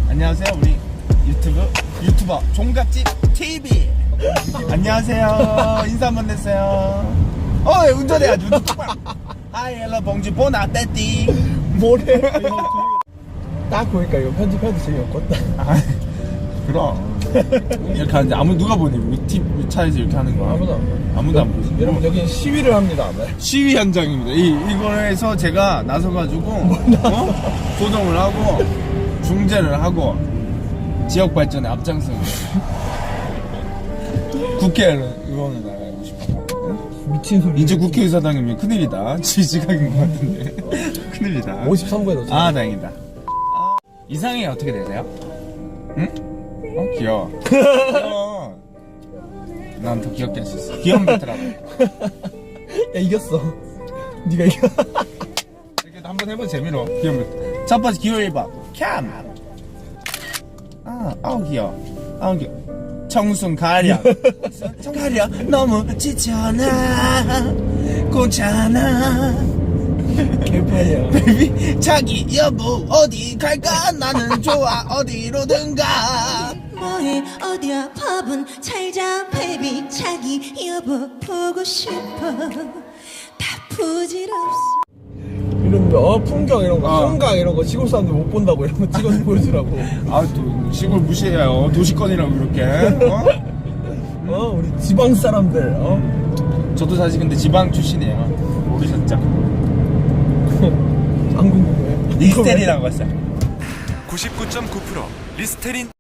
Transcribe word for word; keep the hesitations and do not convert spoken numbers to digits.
안녕하세요. 우리 유튜브 유튜버 종갓집 티비. 안녕하세요. 인사 한번 해주세요. 어, 운전해야지. 운전 똑바로. 하이 헬로 봉지 보나 떼띠. 뭐래? 딱 보니까 이거 편집해도 재미없겠다. 아, 그럼 이렇게 하는데 아무 누가 보니 우리 팁 차에서 이렇게 하는 거 아무도 안 봐요. 아무도 안 보지. 여러분 여기는 시위를 합니다. 네. 시위 현장입니다. 이 이거에서 제가 나서가지고 어? 소정을 하고 중재를 하고 지역 발전에 앞장서는 국회의원을 나가고 싶어. 미친 소리. 이제 국회의사당이면 큰일이다. 지지각인 것 같은데 큰일이다. 오십삼 부에 넣었어. 아 다행이다. 아, 이상이 어떻게 되세요? 응? 어 귀여워. 귀여워. 난 더 귀엽게 할 수 있어. 귀여운 배트라고. 야 이겼어. 네가 이겨. 이렇게 한번 해보 재미로. 귀여운 배트. 첫 번째 귀여워 해봐. 캠. 아, 아우 귀여워. 아우 귀여워. 청순 가려. 가려. 너무 지쳐나. 고잖아. 개판이야. 베이비 자기 여보 어디 갈까 나는 좋아 어디로든 가. 뭐해 어디야 밥은 잘자 베이비 자기 여보 보고 싶어 다 부질없어. 이런 어 풍경 이런 거, 어. 한강 이런 거 시골 사람들 못 본다고 이런 거 찍어서 보여주라고. 아 또 시골 무시해요. 도시권이라고 그렇게. 어? 어 우리 지방 사람들. 어 저도 사실 근데 지방 출신이에요. 모르셨죠? 안 궁금해. 리스테리라고 했어요. 구십구 점 구 퍼센트 리스테린